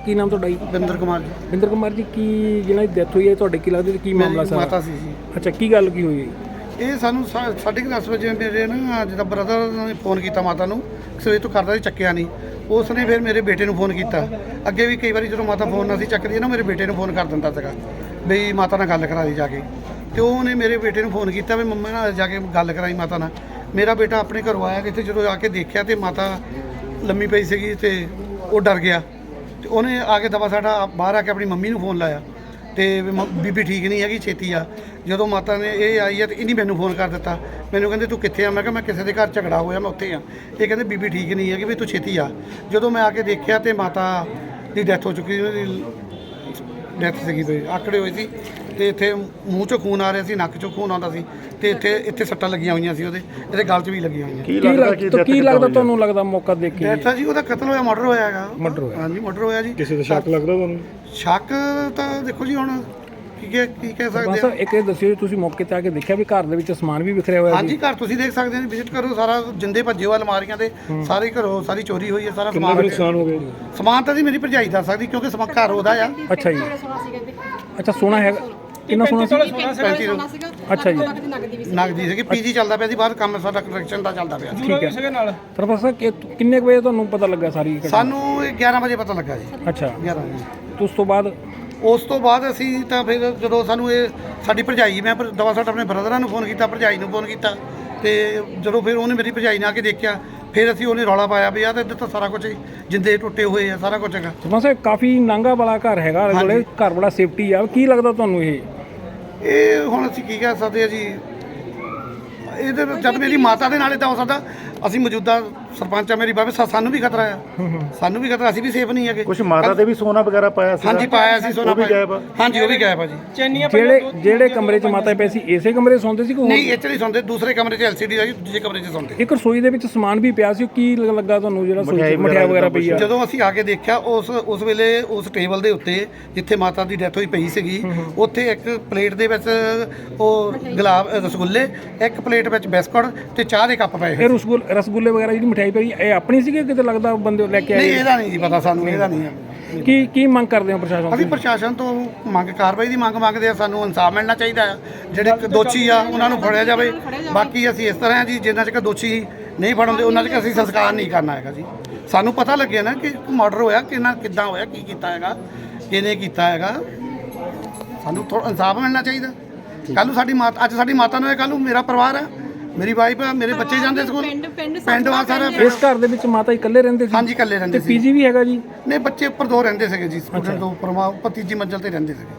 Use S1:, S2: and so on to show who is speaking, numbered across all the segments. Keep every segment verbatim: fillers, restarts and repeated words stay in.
S1: ਕੀ ਨਾਮ ਤੁਹਾਡਾ ਜੀ?
S2: ਬਿੰਦਰ ਕੁਮਾਰ ਜੀ।
S1: ਬਿੰਦਰ ਕੁਮਾਰ ਜੀ, ਕੀ ਜਿਹਨਾਂ ਦੀ ਡੈਥ ਹੋਈ ਹੈ ਤੁਹਾਡੇ ਕੀ ਲੱਗਦਾ ਕੀ ਮਾਮਲਾ ਸਾਰਾ?
S2: ਮਾਤਾ ਸੀ ਜੀ।
S1: ਅੱਛਾ, ਕੀ ਗੱਲ ਕੀ ਹੋਈ?
S2: ਇਹ ਸਾਨੂੰ ਸਾ- ਸਾਢੇ ਕੁ ਦਸ ਵਜੇ ਮੇਰੇ ਨਾ ਜਿੱਦਾਂ ਬ੍ਰਦਰ ਨੇ ਫੋਨ ਕੀਤਾ ਮਾਤਾ ਨੂੰ, ਸਵੇਰ ਤੋਂ ਕਰਦਾ ਸੀ, ਚੱਕਿਆ ਨਹੀਂ। ਉਸ ਨੇ ਫਿਰ ਮੇਰੇ ਬੇਟੇ ਨੂੰ ਫੋਨ ਕੀਤਾ। ਅੱਗੇ ਵੀ ਕਈ ਵਾਰੀ ਜਦੋਂ ਮਾਤਾ ਫੋਨ ਨਾ ਸੀ ਚੱਕਦੀ ਨਾ, ਮੇਰੇ ਬੇਟੇ ਨੂੰ ਫੋਨ ਕਰ ਦਿੰਦਾ ਸੀਗਾ ਬਈ ਮਾਤਾ ਨਾਲ ਗੱਲ ਕਰਾ ਦੀ ਜਾ ਕੇ। ਤੇ ਉਹਨੇ ਮੇਰੇ ਬੇਟੇ ਨੂੰ ਫੋਨ ਕੀਤਾ ਵੀ ਮੰਮਾ ਨਾਲ ਜਾ ਕੇ ਗੱਲ ਕਰਾਈ ਮਾਤਾ ਨਾਲ। ਮੇਰਾ ਬੇਟਾ ਆਪਣੇ ਘਰੋਂ ਆਇਆ ਕਿਤੇ, ਜਦੋਂ ਆ ਕੇ ਦੇਖਿਆ ਤੇ ਮਾਤਾ ਲੰਮੀ ਪਈ ਸੀਗੀ ਤੇ ਉਹ ਡਰ ਗਿਆ। ਤੇ ਉਹਨੇ ਆ ਕੇ ਦਵਾ ਸਾਡਾ ਬਾਹਰ ਆ ਕੇ ਆਪਣੀ ਮੰਮੀ ਨੂੰ ਫੋਨ ਲਾਇਆ ਤੇ ਵੀ ਮ- ਬੀਬੀ ਠੀਕ ਨਹੀਂ ਹੈਗੀ, ਛੇਤੀ ਆ। ਜਦੋਂ ਮਾਤਾ ਨੇ ਇਹ ਆਈ ਹੈ ਤੇ ਇਹਨੇ ਮੈਨੂੰ ਫੋਨ ਕਰ ਦਿੱਤਾ। ਮੈਨੂੰ ਕਹਿੰਦੇ ਤੂੰ ਕਿੱਥੇ ਆ? ਮੈਂ ਕਿਹਾ ਮੈਂ ਕਿਸੇ ਦੇ ਘਰ ਝਗੜਾ ਹੋਇਆ, ਮੈਂ ਉੱਥੇ ਆ। ਇਹ ਕਹਿੰਦੇ ਬੀਬੀ ਠੀਕ ਨਹੀਂ ਹੈਗੀ ਵੀ ਤੂੰ ਛੇਤੀ ਆ। ਜਦੋਂ ਮੈਂ ਆ ਕੇ ਦੇਖਿਆ ਤੇ ਮਾਤਾ ਦੀ ਡੈਥ ਹੋ ਚੁੱਕੀ, ਉਹਦੀ ਡੈਥ ਸੀਗੀ ਬਈ ਆਕੜੇ ਹੋਏ ਸੀ ਤੇ ਇੱਥੇ ਮੂੰਹ ਚੋਂ ਖੂਨ ਆ ਰਿਹਾ ਸੀ, ਨੱਕ ਚੋਂ ਖੂਨ ਆਉਂਦਾ ਸੀ ਤੇ ਇੱਥੇ ਇੱਥੇ ਸੱਟਾਂ ਲੱਗੀਆਂ ਹੋਈਆਂ ਸੀ, ਉਹਦੇ ਇਹਦੇ ਗਲ 'ਚ ਵੀ ਲੱਗੀਆਂ ਹੋਈਆਂ।
S1: ਕੀ ਲੱਗਦਾ ਕੀ ਲੱਗਦਾ ਤੁਹਾਨੂੰ ਲੱਗਦਾ ਮੌਕਾ ਦੇਖ ਕੇ?
S2: ਡੈਥ ਆ ਜੀ, ਉਹਦਾ ਕਤਲ ਹੋਇਆ, ਮਰਡਰ ਹੋਇਆ ਹੈਗਾ।
S1: ਮਰਡਰ ਹੋਇਆ?
S2: ਹਾਂਜੀ, ਮਰਡਰ ਹੋਇਆ ਜੀ।
S1: ਕਿਸੇ ਦਾ ਸ਼ੱਕ ਲੱਗਦਾ ਤੁਹਾਨੂੰ?
S2: ਸ਼ੱਕ ਤਾਂ ਦੇਖੋ ਜੀ, ਹੁਣ ਕੀ ਕਹਿ ਕੀ ਕਹਿ ਸਕਦੇ
S1: ਬਸ
S2: ਆ।
S1: ਇੱਕ ਇਹ ਦੱਸਿਓ, ਤੁਸੀਂ ਮੌਕੇ ਤੇ ਆ ਕੇ ਦੇਖਿਆ ਵੀ ਘਰ ਦੇ ਵਿੱਚ ਸਮਾਨ ਵੀ ਵਿਖਰਿਆ ਹੋਇਆ?
S2: ਹਾਂਜੀ, ਘਰ ਤੁਸੀਂ ਦੇਖ ਸਕਦੇ ਹੋ, ਵਿਜ਼ਿਟ ਕਰੋ। ਸਾਰਾ ਜਿੰਦੇ ਭੱਜੇ ਹੋਏ ਅਲਮਾਰੀਆਂ ਦੇ ਸਾਰੇ ਘਰੋਂ ਸਾਰੀ ਚੋਰੀ ਹੋਈ ਹੈ, ਸਾਰਾ ਸਮਾਨ
S1: ਨੁਕਸਾਨ ਹੋ ਗਿਆ?
S2: ਸਮਾਨ ਤਾਂ ਜੀ ਮੇਰੀ ਭਰਜਾਈ ਦੱਸ ਸਕਦੀ ਕਿਉਂਕਿ ਸਮਾਨ ਘਰ ਉਹਦਾ ਆ।
S1: ਅੱਛਾ ਜੀ। ਅੱਛਾ, ਸੋਨਾ ਹੈਗਾ? ਕਿੰਨਾ ਸੋਨਾ ਸੀ?
S2: ਪੈਂਤੀ ਸੌ
S1: ਅੱਛਾ ਜੀ।
S2: ਨਗਦੀ ਸੀਗੀ। ਪੀਜੀ ਚੱਲਦਾ ਪਿਆ ਸੀ ਬਾਹਰ, ਕੰਮ ਸਾਡਾ ਕੰਸਟਰਕਸ਼ਨ ਦਾ ਚੱਲਦਾ ਪਿਆ ਸੀ।
S1: ਠੀਕ ਹੈ। ਪ੍ਰੋਫੈਸਰ ਕਿੰਨੇ ਕੁ ਵਜੇ ਤੁਹਾਨੂੰ ਪਤਾ ਲੱਗਾ ਸਾਰੀ ਘਟਨਾ?
S2: ਸਾਨੂੰ ਇਹ ਗਿਆਰਾਂ ਵਜੇ ਪਤਾ ਲੱਗਾ ਜੀ।
S1: ਅੱਛਾ,
S2: ਗਿਆਰਾਂ ਵਜੇ।
S1: ਉਸ ਤੋਂ ਬਾਅਦ
S2: ਉਸ ਤੋਂ ਬਾਅਦ ਅਸੀਂ ਤਾਂ ਫਿਰ ਜਦੋਂ ਸਾਨੂੰ ਇਹ ਸਾਡੀ ਭਰਜਾਈ, ਮੈਂ ਪਰ ਦਵਾ ਸਾਡ ਆਪਣੇ ਬ੍ਰਦਰਾਂ ਨੂੰ ਫੋਨ ਕੀਤਾ, ਭਰਜਾਈ ਨੂੰ ਫੋਨ ਕੀਤਾ ਤੇ ਜਦੋਂ ਫਿਰ ਉਹਨੇ ਮੇਰੀ ਭਰਜਾਈ ਨੇ ਆ ਕੇ ਦੇਖਿਆ, ਫਿਰ ਅਸੀਂ ਉਹਨੇ ਰੌਲਾ ਪਾਇਆ ਵੀ ਆਹ ਤਾਂ ਇੱਧਰ ਤਾਂ ਸਾਰਾ ਕੁਝ ਜਿੰਦੇ ਟੁੱਟੇ ਹੋਏ ਆ, ਸਾਰਾ ਕੁਝ ਹੈਗਾ।
S1: ਸਮਝੋ ਕਾਫੀ ਨਾਂਗਾ ਵਾਲਾ ਘਰ ਹੈਗਾ, ਕੋਲੇ ਘਰ ਬੜਾ ਸੇਫਟੀ ਆ। ਕੀ ਲੱਗਦਾ ਤੁਹਾਨੂੰ ਇਹ?
S2: ਇਹ ਹੁਣ ਅਸੀਂ ਕੀ ਕਹਿ ਸਕਦੇ ਆ ਜੀ, ਇਹਦੇ ਵਿੱਚ ਜਦ ਮੇਰੀ ਮਾਤਾ ਦੇ ਨਾਲ ਇੱਦਾਂ ਹੋ ਸਕਦਾ। ਅਸੀਂ ਮੌਜੂਦਾ ਸਰਪੰਚ ਆ, ਮੇਰੀ ਬਾਬੇ ਸਾਨੂੰ ਵੀ ਖਤਰਾ ਆ, ਸਾਨੂੰ ਵੀ ਖਤਰਾ, ਅਸੀਂ ਵੀ ਸੇਫ ਨਹੀਂ ਹੈਗੇ।
S3: ਕੁਝ ਮਾਤਾ ਦੇ ਵੀ ਸੋਨਾ ਵਗੈਰਾ ਪਾਇਆ ਸੀ?
S2: ਹਾਂਜੀ, ਪਾਇਆ ਸੀ ਸੋਨਾ। ਹਾਂਜੀ, ਉਹ ਵੀ ਗਾਇਬ ਆ ਜੀ।
S1: ਜਿਹੜੇ ਜਿਹੜੇ ਕਮਰੇ 'ਚ ਮਾਤਾ ਪਈ ਸੀ, ਇਸੇ ਕਮਰੇ 'ਚ ਸੌਂਦੇ ਸੀ?
S2: ਨਹੀਂ, ਇੱਥੇ ਨਹੀਂ ਸੌਂਦੇ, ਦੂਸਰੇ ਕਮਰੇ 'ਚ ਐਲਸੀਡੀ ਆ ਜੀ, ਦੂਜੇ ਕਮਰੇ 'ਚ ਸੌਂਦੇ।
S1: ਇੱਕ ਰਸੋਈ ਦੇ ਵਿੱਚ ਸਮਾਨ ਵੀ ਪਿਆ ਸੀ, ਕੀ ਲੱਗਾ ਤੁਹਾਨੂੰ ਜਿਹੜਾ ਮਠਿਆਈ ਵਗੈਰਾ ਪਈ ਆ?
S2: ਜਦੋਂ ਅਸੀਂ ਆ ਕੇ ਦੇਖਿਆ ਉਸ ਉਸ ਵੇਲੇ ਉਸ ਟੇਬਲ ਦੇ ਉੱਤੇ ਜਿੱਥੇ ਮਾਤਾ ਦੀ ਡੈਥ ਹੋਈ ਪਈ ਸੀਗੀ, ਉੱਥੇ ਇੱਕ ਪਲੇਟ ਦੇ ਵਿੱਚ ਉਹ ਗੁਲਾਬ ਰਸਗੁੱਲੇ, ਇੱਕ ਪਲੇਟ ਵਿੱਚ ਬਿਸਕੁਟ ਤੇ ਚਾਹ ਦੇ ਕੱਪ ਪਏ।
S1: ਇਹ ਰਸਗੁੱਲੇ ਰਸਗੁੱਲੇ ਵਗੈਰਾ ਜਿਹੜੀ ਮਠਿਆਈ ਪਈ ਇਹ ਆਪਣੀ ਸੀਗੀ, ਕਿਤੇ ਲੱਗਦਾ ਬੰਦੇ ਲੈ ਕੇ ਆਏ?
S2: ਨਹੀਂ, ਇਹਦਾ ਨਹੀਂ ਜੀ ਪਤਾ ਸਾਨੂੰ, ਇਹਦਾ ਨਹੀਂ ਹੈ।
S1: ਕੀ ਕੀ ਮੰਗ ਕਰਦੇ ਹੋ ਪ੍ਰਸ਼ਾਸਨ
S2: ਅਸੀਂ
S1: ਤੋਂ?
S2: ਪ੍ਰਸ਼ਾਸਨ ਤੋਂ ਮੰਗ ਕਾਰਵਾਈ ਦੀ ਮੰਗ ਮੰਗਦੇ ਆ। ਸਾਨੂੰ ਇਨਸਾਫ ਮਿਲਣਾ ਚਾਹੀਦਾ ਆ। ਜਿਹੜੇ ਦੋਸ਼ੀ ਆ ਉਹਨਾਂ ਨੂੰ ਫੜਿਆ ਜਾਵੇ। ਬਾਕੀ ਅਸੀਂ ਇਸ ਤਰ੍ਹਾਂ ਜੀ, ਜਿੰਨਾ ਚਿਰ ਦੋਸ਼ੀ ਨਹੀਂ ਫੜਾਉਂਦੇ ਉਹਨਾਂ ਚਿਰ ਅਸੀਂ ਸੰਸਕਾਰ ਨਹੀਂ ਕਰਨਾ ਹੈਗਾ ਜੀ। ਸਾਨੂੰ ਪਤਾ ਲੱਗਿਆ ਨਾ ਕਿ ਮਰਡਰ ਹੋਇਆ, ਕਿੰਨਾ ਕਿੱਦਾਂ ਹੋਇਆ, ਕੀ ਕੀਤਾ ਹੈਗਾ, ਕਿਹਨੇ ਕੀਤਾ ਹੈਗਾ। ਸਾਨੂੰ ਥੋੜਾ ਇਨਸਾਫ ਮਿਲਣਾ ਚਾਹੀਦਾ। ਕੱਲ੍ਹ ਨੂੰ ਸਾਡੀ ਮਾਤਾ, ਅੱਜ ਸਾਡੀ ਮਾਤਾ ਨੂੰ ਹੈ, ਕੱਲ੍ਹ ਨੂੰ ਮੇਰਾ ਪਰਿਵਾਰ ਆ, ਮੇਰੀ ਵਾਈਫ ਆ, ਮੇਰੇ ਬੱਚੇ ਜਾਂਦੇ ਸਕੂਲ, ਪਿੰਡ ਵਾ ਸਾਰਾ।
S1: ਇਸ ਘਰ ਦੇ ਵਿੱਚ ਮਾਤਾ ਇਕੱਲੇ ਰਹਿੰਦੇ ਸੀ?
S2: ਹਾਂਜੀ, ਇਕੱਲੇ ਰਹਿੰਦੇ
S1: ਤੇ
S2: ਸੀ।
S1: ਪੀਜੀ ਵੀ ਹੈਗਾ ਜੀ?
S2: ਨਹੀਂ, ਬੱਚੇ ਉੱਪਰ ਦੋ ਰਹਿੰਦੇ ਸੀਗੇ ਜੀ, ਸਟੂਡੈਂਟ ਦੋ ਉੱਪਰ, ਮਾ ਉੱਪਰ ਤੀਜੀ ਮੰਜ਼ਲ ਤੇ ਰਹਿੰਦੇ ਸੀਗੇ।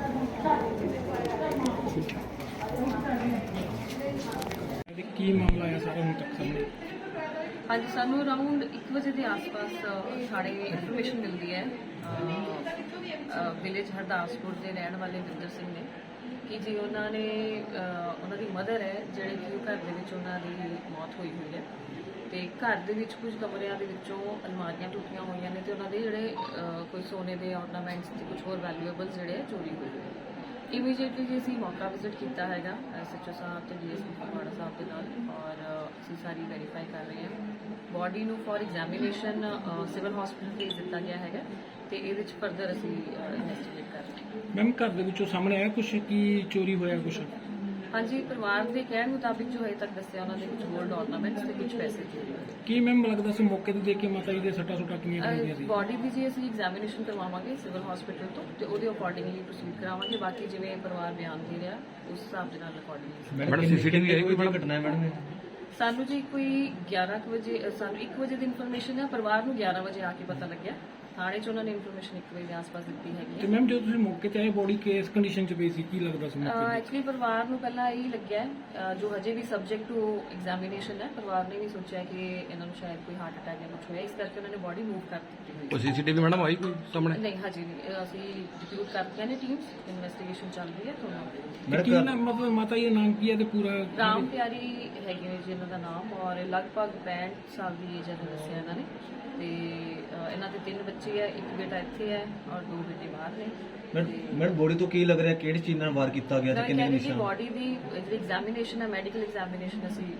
S1: ਕੀ ਮਾਮਲਾ ਹੈ ਸਾਰਾ ਹੁਣ ਤੱਕ ਸਾਹਮਣੇ?
S4: ਹਾਂਜੀ, ਸਾਨੂੰ ਅਰਾਊਂਡ ਇੱਕ ਵਜੇ ਦੇ ਆਸ-ਪਾਸ ਸਾਡੇ ਇਨਫੋਰਮੇਸ਼ਨ ਮਿਲਦੀ ਹੈ ਵਿਲੇਜ ਹਰਦਾਸਪੁਰ ਦੇ ਰਹਿਣ ਵਾਲੇ ਵਿੰਦਰ ਸਿੰਘ ਨੇ ਕਿ ਜੀ ਉਹਨਾਂ ਨੇ ਉਹਨਾਂ ਦੀ ਮਦਰ ਹੈ ਜਿਹੜੇ ਕਿ ਘਰ ਦੇ ਵਿੱਚ ਉਹਨਾਂ ਦੀ ਮੌਤ ਹੋਈ ਹੋਈ ਹੈ ਤੇ ਘਰ ਦੇ ਵਿੱਚ ਕੁਝ ਕਮਰਿਆਂ ਦੇ ਵਿੱਚੋਂ ਅਲਮਾਰੀਆਂ ਟੁੱਟੀਆਂ ਹੋਈਆਂ ਨੇ ਤੇ ਉਹਨਾਂ ਦੇ ਜਿਹੜੇ ਕੋਈ ਸੋਨੇ ਦੇ ਆਰਨਾਮੈਂਟਸ ਤੇ ਕੁਝ ਹੋਰ ਵੈਲਿਊਏਬਲਸ ਜਿਹੜੇ ਚੋਰੀ ਹੋਏ ਹੋਏ। ਇਮੀਡੀਏਟਲੀ ਜੀ ਅਸੀਂ ਮੌਕਾ ਵਿਜ਼ਿਟ ਕੀਤਾ ਹੈਗਾ ਐਸਐਚਓ ਸਾਹਿਬ ਤੇ ਡੀਐਸਪੀ ਫਗਵਾੜਾ ਸਾਹਿਬ ਦੇ ਨਾਲ ਔਰ ਅਸੀਂ ਸਾਰੀ ਵੈਰੀਫਾਈ ਕਰ ਰਹੇ ਹਾਂ। ਬੋਡੀ ਨੂੰ ਫॉर ਐਗਜ਼ਾਮੀਨੇਸ਼ਨ ਸਿਵਲ ਹਸਪੀਟਲ ਭੇਜ ਦਿੱਤਾ ਗਿਆ ਹੈਗਾ ਤੇ ਇਹਦੇ ਵਿੱਚ ਫਰਦਰ ਅਸੀਂ ਇਨਵੈਸਟੀਗੇਟ ਕਰ ਰਹੇ ਹਾਂ।
S1: ਮੈਮ, ਘਰ ਦੇ ਵਿੱਚੋਂ ਸਾਹਮਣੇ ਆਇਆ ਕੁਝ ਕੀ ਚੋਰੀ ਹੋਇਆ ਕੁਝ?
S4: ਹਾਂਜੀ, ਪਰਿਵਾਰ ਦੇ ਕਹਿਣ ਮੁਤਾਬਿਕ ਜੋ ਹਜੇ ਤੱਕ ਦੱਸਿਆ ਉਹਨਾਂ ਦੇ ਕੁਝ ਗੋਲਡ ਆਰਨਾਮੈਂਟਸ ਤੇ ਕੁਝ ਪੈਸੇ ਚੋਰੀ ਹੋਏ।
S1: ਕੀ ਮੈਮ ਲੱਗਦਾ ਸੀ ਮੌਕੇ ਤੇ ਦੇਖ ਕੇ ਮਾਤਾ ਜੀ ਦੇ ਸੱਟਾਂ ਸੁੱਟਾਂ ਕਿੰਨੀਆਂ ਲੱਗੀਆਂ ਸੀ?
S4: ਬੋਡੀ ਦੀ ਜੀ ਅਸੀਂ ਐਗਜ਼ਾਮੀਨੇਸ਼ਨ ਕਰਵਾਵਾਂਗੇ ਸਿਵਲ ਹਸਪੀਟਲ ਤੋਂ ਤੇ ਉਹਦੇ ਅਕੋਰਡਿੰਗਲੀ ਪ੍ਰੋਸੀਡ ਕਰਾਵਾਂਗੇ। ਬਾਕੀ ਜਿਵੇਂ ਪਰਿਵਾਰ ਬਿਆਨ ਦੇ ਰਿਹਾ ਉਸ ਹਿਸਾਬ ਦੇ ਨਾਲ ਅਕੋਰਡਿੰਗਲੀ।
S1: ਮੈਡਮ, ਸੀਸੀਟੀਵੀ ਆਈ ਕੋਈ ਘਟਨਾ ਹੈ ਮੈਡਮ?
S4: ਸਾਨੂੰ ਜੀ ਕੋਈ ਗਿਆਰਾਂ ਕੁ ਵਜੇ ਸਾਨੂੰ ਇੱਕ ਵਜੇ ਦੀ ਇਨਫੋਰਮੇਸ਼ਨ ਹੈ, ਪਰਿਵਾਰ ਨੂੰ ਗਿਆਰਾਂ ਵਜੇ ਆ ਕੇ ਪਤਾ ਲੱਗਿਆ। ਥਾਣੇ 'ਚ ਉਹਨਾਂ ਨੇ ਇਨਫੋਰਮੇਸ਼ਨ ਇੱਕ ਵਜੇ ਦੇ ਆਸ-ਪਾਸ ਦਿੱਤੀ ਹੈਗੀ
S1: ਤੇ ਮੈਮ ਜਦੋਂ ਤੁਸੀਂ ਮੌਕੇ ਤੇ ਆਏ ਬੋਡੀ ਕਿਸ ਕੰਡੀਸ਼ਨ 'ਚ ਪਈ ਸੀ, ਕੀ ਲੱਗਦਾ ਸੀ ਮੌਕੇ ਤੇ?
S4: ਐਕਚੁਅਲੀ ਪਰਿਵਾਰ ਨੂੰ ਪਹਿਲਾਂ ਇਹੀ ਲੱਗਿਆ ਹੈ, ਜੋ ਹਜੇ ਵੀ ਸਬਜੈਕਟ ਟੂ ਐਗਜ਼ਾਮੀਨੇਸ਼ਨ ਹੈ, ਪਰਿਵਾਰ ਨੇ ਵੀ ਸੋਚਿਆ ਕਿ ਇਹਨਾਂ ਨੂੰ ਸ਼ਾਇਦ ਕੋਈ ਹਾਰਟ ਅਟੈਕ ਜਾਂ ਕੁਝ ਹੋਇਆ, ਇਸ ਕਰਕੇ ਉਹਨਾਂ ਨੇ ਬੋਡੀ ਮੂਵ ਕਰ ਦਿੱਤੀ ਹੋਈ
S5: ਉਹ ਸੀਸੀਟੀਵੀ ਮੈਡਮ ਆਈ ਕੋਈ ਸਾਹਮਣੇ?
S4: ਨਹੀਂ, ਹਜੇ ਨਹੀਂ। ਅਸੀਂ ਡਿਪਿਊਟ ਕਰਤੀਆਂ ਨੇ ਟੀਮਸ, ਇਨਵੈਸਟੀਗੇਸ਼ਨ ਚੱਲ ਰਹੀ ਹੈ ਤੁਹਾਨੂੰ।
S1: ਤੇ ਕੀ ਨਾਮ, ਮਤਲਬ ਮਾਤਾ ਜੀ ਦਾ ਨਾਮ ਕੀ ਹੈ ਤੇ ਪੂਰਾ?
S4: ਰਾਮ ਪਿਆਰੀ ਹੈਗੇ ਨੇ ਜੀ ਇਹਨਾਂ ਦਾ ਨਾਮ ਔਰ ਲਗਭਗ ਪੈਂਹਠ ਸਾਲ ਦੀ ਏਜ ਹੈ ਦੱਸਿਆ ਇਹਨਾਂ ਨੇ ਤੇ ਇਹਨਾਂ ਦੇ ਤਿੰਨ ਬੱਚੇ ਹੈ, ਇੱਕ ਬੇਟਾ ਇੱਥੇ ਹੈ ਔਰ ਦੋ ਬੇਟੇ ਬਾਹਰ ਨੇ।
S3: ਮੈਡਮ, ਬੋਡੀ ਤੋਂ ਕੀ ਲੱਗ ਰਿਹਾ, ਕਿਹੜੀ ਚੀਜ਼ ਨਾਲ ਵਾਰ ਕੀਤਾ ਗਿਆ ਤੇ ਕਿੰਨੇ ਨਿਸ਼ਾਨ?
S4: ਬੋਡੀ ਦੀ ਜਿਹੜੀ ਐਗਜ਼ਾਮੀਨੇਸ਼ਨ ਹੈ, ਮੈਡੀਕਲ ਐਗਜ਼ਾਮੀਨੇਸ਼ਨ ਅਸੀਂ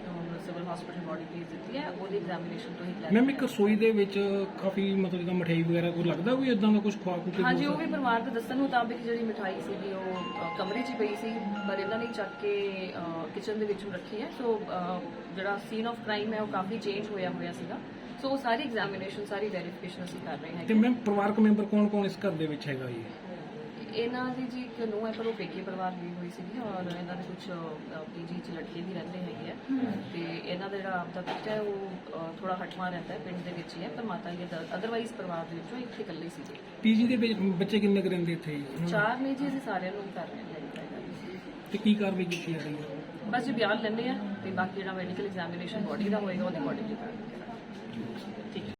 S4: ਸਿਵਲ ਹਸਪੀਟਲ ਬੋਡੀ ਭੇਜ ਦਿੱਤੀ ਹੈ, ਉਹਦੀ ਐਗਜ਼ਾਮੀਨੇਸ਼ਨ ਤੋਂ ਹੀ
S1: ਮੈਮ ਇੱਕ ਰਸੋਈ ਦੇ ਵਿੱਚ ਕਾਫੀ ਮਤਲਬ ਜਿੱਦਾਂ ਮਠਿਆਈ ਵਗੈਰਾ ਕੋਈ ਲੱਗਦਾ ਵੀ ਇਦਾਂ ਦਾ ਕੁਝ ਖਵਾ ਖੂ ਕੇ
S4: ਹਾਂਜੀ, ਉਹ ਵੀ ਪਰਿਵਾਰ ਦੇ ਦੱਸਣ ਮੁਤਾਬਿਕ ਜਿਹੜੀ ਮਿਠਾਈ ਸੀਗੀ ਉਹ ਅ, ਕਮਰੇ 'ਚ ਹੀ ਪਈ ਸੀ, ਪਰ ਇਹਨਾਂ ਨੇ ਚੱਕ ਕੇ ਕਿਚਨ ਦੇ ਵਿੱਚੋਂ ਰੱਖੀ ਹੈ। ਸੋ ਅ, ਜਿਹੜਾ ਸੀਨ ਆਫ ਕ੍ਰਾਈਮ ਹੈ ਉਹ ਕਾਫੀ ਚੇਂਜ ਹੋਇਆ ਹੋਇਆ ਸੀਗਾ। ਸੋ ਉਹ ਸਾਰੀ ਐਗਜ਼ਾਮੀਨੇਸ਼ਨ ਸਾਰੀ ਵੈਰੀਫਿਕੇਸ਼ਨ ਅਸੀਂ ਕਰ ਰਹੇ
S1: ਤੇ
S4: ਹੈਗੇ।
S1: ਮੈਮ ਪਰਿਵਾਰਕ ਮੈਂਬਰ ਕੌਣ ਕੌਣ ਇਸ ਘਰ ਦੇ ਵਿੱਚ ਹੈਗਾ ਜੀ?
S4: ਇਹਨਾਂ ਦੀ ਜੀ ਇੱਕ ਨੂੰਹ ਹੈ, ਪਰ ਉਹ ਪੇਕੇ ਪਰਿਵਾਰ ਦੀ ਹੋਈ ਸੀਗੀ, ਔਰ ਇਹਨਾਂ ਦੇ ਕੁਝ ਪੀਜੀ 'ਚ ਲੜਕੇ ਵੀ ਰਹਿੰਦੇ ਹੈਗੇ ਆ, ਤੇ ਇਹਨਾਂ ਦਾ ਜਿਹੜਾ ਆਪਦਾ ਪਿੱਛਾ ਹੈ ਉਹ ਅ, ਥੋੜਾ ਹਟਵਾ ਰਹਿੰਦਾ ਹੈ, ਪਿੰਡ ਦੇ ਵਿੱਚ ਹੀ ਹੈ, ਪਰ ਮਾਤਾ ਜੀ ਅਦਰਵਾਈਜ਼ ਪਰਿਵਾਰ ਦੇ ਵਿੱਚੋਂ ਇੱਕ ਇਕੱਲੇ ਸੀਗੇ।
S1: ਪੀਜੀ ਦੇ ਵਿੱਚ ਬੱਚੇ ਕਿੰਨੇ ਕੁ ਰਹਿੰਦੇ ਇੱਥੇ ਜੀ?
S4: ਚਾਰ ਨੇ ਜੀ, ਅਸੀਂ ਸਾਰਿਆਂ ਨੂੰ ਕਰ ਰਹੇ ਹਾਂ।
S1: ਤੇ ਕੀ ਕਾਰਵਾਈ ਕੀਤੀ ਜਾ ਰਹੀ ਹੈ?
S4: ਬਸ ਜੀ ਬਿਆਨ ਲੈਣੇ ਆ, ਤੇ ਬਾਕੀ ਜਿਹੜਾ ਮੈਡੀਕਲ ਐਗਜ਼ਾਮੀਨੇਸ਼ਨ ਬੋਡੀ ਦਾ ਹੋਏਗਾ ਉਹਦੀ ਬੋਡੀ ਦੀ ਕਰਾਂਗੇ।